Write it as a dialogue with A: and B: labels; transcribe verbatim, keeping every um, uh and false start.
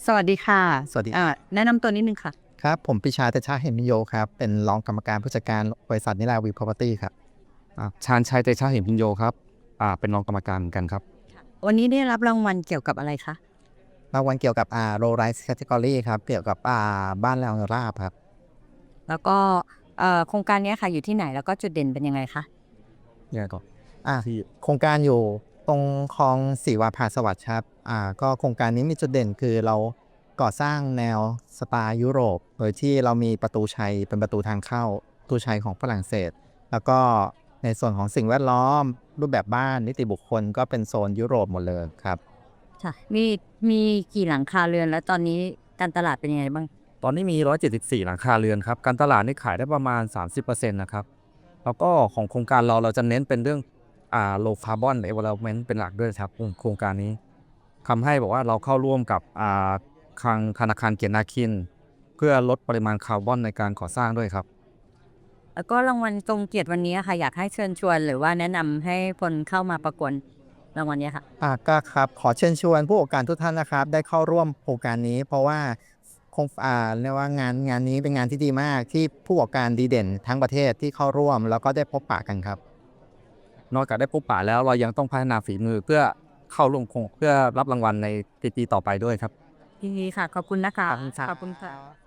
A: สวัสดีค่ะ
B: สวัสดี
A: อ่าแนะนำตัวนิดนึงค่ะ
B: ครับผมปิชาเตชะเหมมิโยครับเป็นรองกรรมการผู้จัดการบริษัทนิราวี Property ครับ
C: อ่าชาญชัยเตชะเหมพินโยครับอ่าเป็นรองกรรมการเหมือนกันครับ
A: วันนี้ได้รับรางวัลเกี่ยวกับอะไรคะ
B: รางวัลเกี่ยวกับอ่า Low Rise Category ครับเกี่ยวกับอ่าบ้านแนวราบครับ
A: แล้วก็เอ่อโครงการเนี้ยค่ะอยู่ที่ไหนแล้วก็จุดเด่นเป็นยังไงคะ
C: ยังไงก่อน
B: อ่า
C: ที่
B: โครงการอยู่ตรงคลองสีวาผาสวัสดิ์ครับอ่าก็โครงการนี้มีจุดเด่นคือเราก่อสร้างแนวสไตล์ยุโรปโดยที่เรามีประตูชัยเป็นประตูทางเข้าประตูชัยของฝรั่งเศสแล้วก็ในส่วนของสิ่งแวดล้อมรูปแบบบ้านนิติบุคคลก็เป็นโซนยุโรปหมดเลยครับ
A: ค่ะมีมีกี่หลังคาเรือนแล้วตอนนี้การตลาดเป็นยังไงบ้าง
C: ตอนนี้มีหนึ่งร้อยเจ็ดสิบสี่หลังคาเรือนครับการตลาดนี่ขายได้ประมาณ สามสิบเปอร์เซ็นต์ นะครับแล้วก็ของโครงการเราเราจะเน้นเป็นเรื่องอ่า low carbon development เป็นหลักด้วยครับโครงการนี้ทำให้บอกว่าเราเข้าร่วมกับอ่าทางธนาคารเกียรตินาคินเพื่อลดปริมาณคาร์บอนในการก่อสร้างด้วยครับ
A: แล้วก็รางวัลทรงเกียรติวันนี้ค่ะอยากให้เชิญชวนหรือว่าแนะนำให้คนเข้ามาประกวดรางวัลเนี้ยค่ะ
B: อ่าก็ครับขอเชิญชวนผู้ประกอบการทุกท่านนะครับได้เข้าร่วมโครงการนี้เพราะว่าคงอ่าเรียกว่างานงานนี้เป็นงานที่ดีมากที่ผู้ประกอบการดีเด่นทั้งประเทศที่เข้าร่วมแล้วก็ได้พบปะกันครับ
C: นอกจากได้พบปะแล้วเรายังต้องพัฒนาฝีมือเพื่อเข้าร่วมโครงเพื่อรับรางวัลในปีๆต่อไปด้วยครับ
A: ทีนี้ค่ะขอบคุณนะคะ
B: ขอบคุณครับ
A: ขอบคุณค่ะ